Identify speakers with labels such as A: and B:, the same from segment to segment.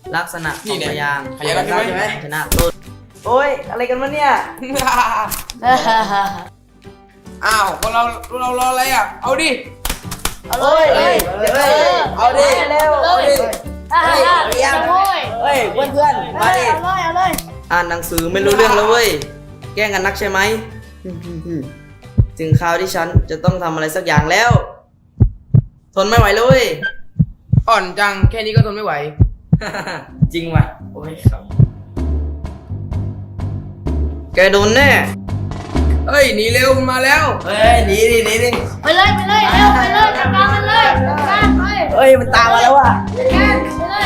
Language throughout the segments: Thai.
A: ลักษณะของพยางค์
B: พยางค์ใช่ไหม
A: ชนะต้นโอ้ยอะไรกันวะเนี่ย
B: อ้าวพวกเรารออะไรอ่ะเอาดิ
C: เอาเลย
B: เอาดิ
A: เร็ว
C: เอาเลย
A: เฮ้ยเพื่อนๆมาดิ
C: เอาเลย
A: อ่านหนังสือไม่รู้เรื่องแล้วเว้ยแกล้งกันนักใช่ไหมถึงคราวที่ฉันจะต้องทำอะไรสักอย่างแล้ว ทนไม่ไหวเลย
B: อ่อนจังแค่นี้ก็ทนไม่ไหว
A: จริงว่ะโอ้ยครับแกโดนแน่
B: เฮ้ยหนีเร็วมาแล้ว
A: เฮ้ยหนีดิเร็ว
C: ไปเลยเร็วไปเลยจัดการมันเลยจัดการไป
A: เฮ้ยมันตามมาแล้วว่ะ
C: จัดการไปเลย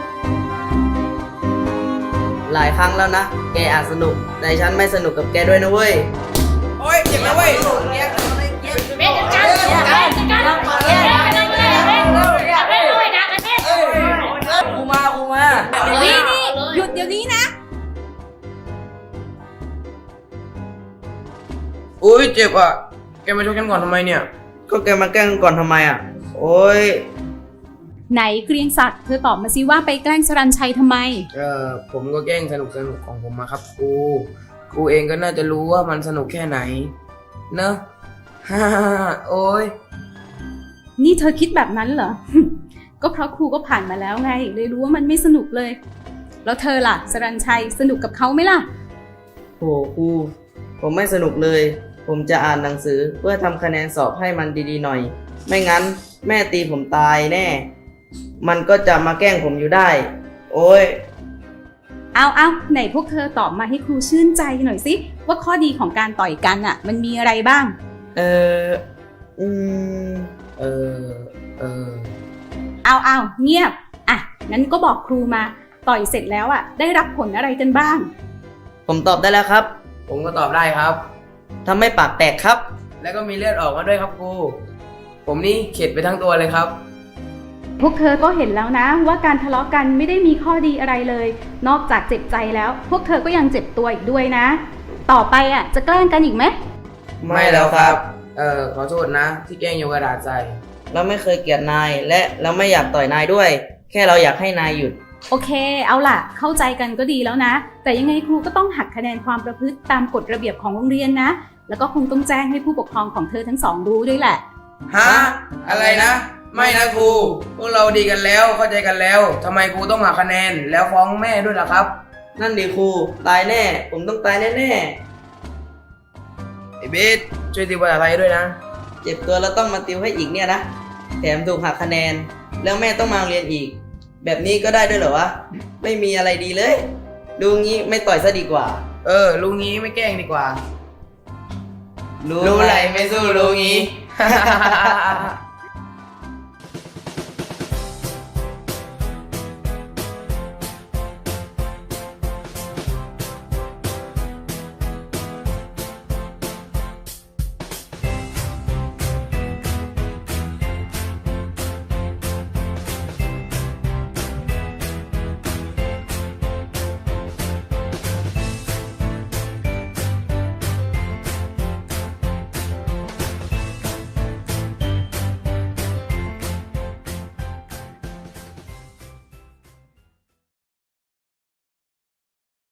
A: หลายครั้งแล้วนะ แกอาจสนุก แต่ฉันไม่สนุกกับแกด้วยนะเว้ย
B: โอ้ยเจ็บนะเว้ย
C: เบสจัดการจัดการเลยนะเบส
A: กูมา
C: นี่หยุดเดี๋ยวนี้นะ
B: อุ้ยเจ็บอ่ะแกมาชกฉันก่อนทำไมเนี่ย
A: ก็แกมาแกล้งก่อนทำไมอ่ะ โอ้ย
D: ไหนเกรียงศักดิ์เธอตอบมาสิว่าไปแกล้งสรัญชัยทำไม
B: ผมก็แกล้งสนุกของผมมาครับครูเองก็น่าจะรู้ว่ามันสนุกแค่ไหนเนอะ ฮ่าโอ้ย
D: นี่เธอคิดแบบนั้นเหรอ ก็เพราะครูก็ผ่านมาแล้วไงเลยรู้ว่ามันไม่สนุกเลย แล้วเธอล่ะสรัญชัยสนุกกับเขาไหมล่ะ
A: โหครูผมไม่สนุกเลย ผมจะอ่านหนังสือเพื่อทำคะแนนสอบให้มันดีๆหน่อย ไม่งั้นแม่ตีผมตายแน่ มันก็จะมาแกล้งผมอยู่ได้ โอ้ย
D: เอาไหนพวกเธอตอบมาให้ครูชื่นใจหน่อยสิว่าข้อดีของการต่อยกันอ่ะ มันมีอะไรบ้าง
A: เออ อืม
B: เออ
D: เอาเงียบ อ่ะ งั้นก็บอกครูมา ต่อยเสร็จแล้วอ่ะ ได้รับผลอะไรกันบ้าง
A: ผมตอบได้แล้วครับ
B: ผมก็ตอบได้ครับ
A: ทำให้ปากแตกครับ
B: แล้วก็มีเลือดออกมาด้วยครับครูผมนี่เข็ดไปทั้งตัวเลยครับ
D: พวกเธอก็เห็นแล้วนะว่าการทะเลาะกันไม่ได้มีข้อดีอะไรเลย นอกจากเจ็บใจแล้ว พวกเธอก็ยังเจ็บตัวอีกด้วยนะ ต่อไปอ่ะจะแกล้งกันอีกไหม
A: ไม่แล้วครับ
B: ขอโทษนะ ที่แกล้งโยนกระดาษใส่
A: เราไม่เคยเกลียดนาย และเราไม่อยากต่อยนายด้วย แค่เราอยากให้นายหยุด
D: โอเค เอาล่ะ เข้าใจกันก็ดีแล้วนะ แต่ยังไงครูก็ต้องหักคะแนนความประพฤติตามกฎระเบียบของโรงเรียนนะ แล้วก็คงต้องแจ้งให้ผู้ปกครองของเธอทั้งสองรู้ด้วยแหละ
B: ฮะ อะไรนะ ไม่นะครู พวกเราดีกันแล้วเข้าใจกันแล้วทำไมครูต้องหักคะแนนแล้วฟ้องแม่ด้วยล่ะครับ
A: นั่นดิครู ตายแน่ ผมต้องตายแน่
B: ไอ้เบสช่วยติวภาษาไทยด้วยนะ
A: ๆ เจ็บตัวแล้วต้องมาติวให้อีกเนี่ยนะ แถมถูกหักคะแนน แล้วแม่ต้องมาเรียนอีก แบบนี้ก็ได้ด้วยเหรอวะ ไม่มีอะไรดีเลย ดูงี้ไม่ต่อยซะดีกว่า
B: ลุงงี้ไม่แกล้งดีกว่า
A: รู้
B: รู้
A: ไห
B: ไห
A: ม
B: นไม่สู้รู้งี้